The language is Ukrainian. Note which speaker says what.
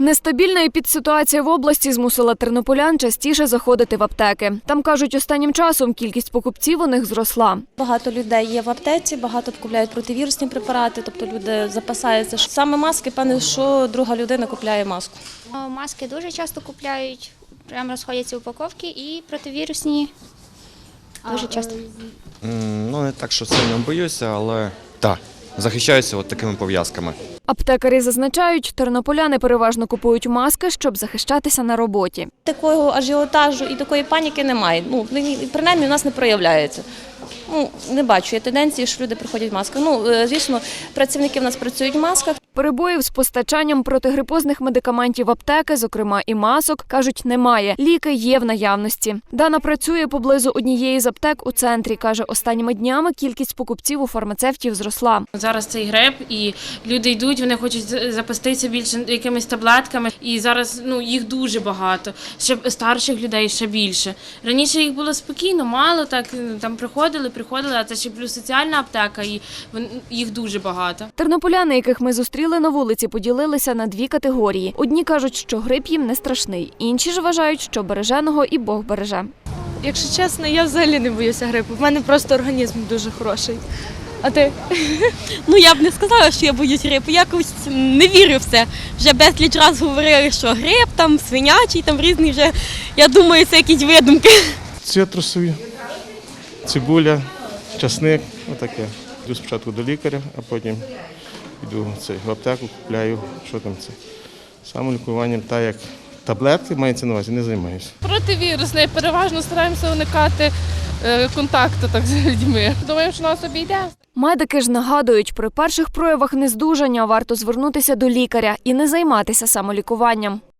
Speaker 1: Нестабільна епідситуація в області змусила тернополян частіше заходити в аптеки. Там, кажуть, останнім часом кількість покупців у них зросла.
Speaker 2: Багато людей є в аптеці, багато купують противірусні препарати, тобто люди запасаються. Саме маски, певне, що друга людина купляє маску.
Speaker 3: Маски дуже часто купляють, прямо розходяться упаковки і противірусні дуже часто.
Speaker 4: Не так, що сильно боюся, але так, захищаюся от такими пов'язками.
Speaker 1: Аптекарі зазначають, тернополяни переважно купують маски, щоб захищатися на роботі.
Speaker 2: Такого ажіотажу і такої паніки немає. Принаймні, у нас не проявляється. Не бачу я тенденції, що люди приходять в масках. Звісно, працівники в нас працюють в масках.
Speaker 1: Перебоїв з постачанням протигрипозних медикаментів в аптеки, зокрема і масок, кажуть, немає. Ліки є в наявності. Дана працює поблизу однієї з аптек у центрі. Каже, останніми днями кількість покупців у фармацевтів зросла.
Speaker 5: Зараз цей грип, і люди йдуть, вони хочуть запаститися більше якимись таблетками. І зараз їх дуже багато. Ще старших людей ще більше. Раніше їх було спокійно, мало, так там приходили, а це ще плюс соціальна аптека, і їх дуже багато.
Speaker 1: Тернополяни, яких ми зустріли на вулиці, поділилися на дві категорії. Одні кажуть, що грип їм не страшний, інші ж вважають, що береженого і Бог береже.
Speaker 6: Якщо чесно, я взагалі не боюся грипу. В мене просто організм дуже хороший. А ти?
Speaker 7: Я б не сказала, що я боюсь грипу. Якось не вірю в це. Вже безліч раз говорили, що грип, там свинячий, там різний вже, я думаю, це якісь видумки.
Speaker 8: Цитрусові, цибуля, часник, отаке. Йду спочатку до лікаря, а потім йду в аптеку, купляю, що там це. Самолікуванням, так як таблетки, мається на увазі, не займаюся.
Speaker 6: Противірусний, переважно стараємося уникати контакту з людьми. Думаємо, що нас обійде.
Speaker 1: Медики ж нагадують, при перших проявах нездужання варто звернутися до лікаря і не займатися самолікуванням.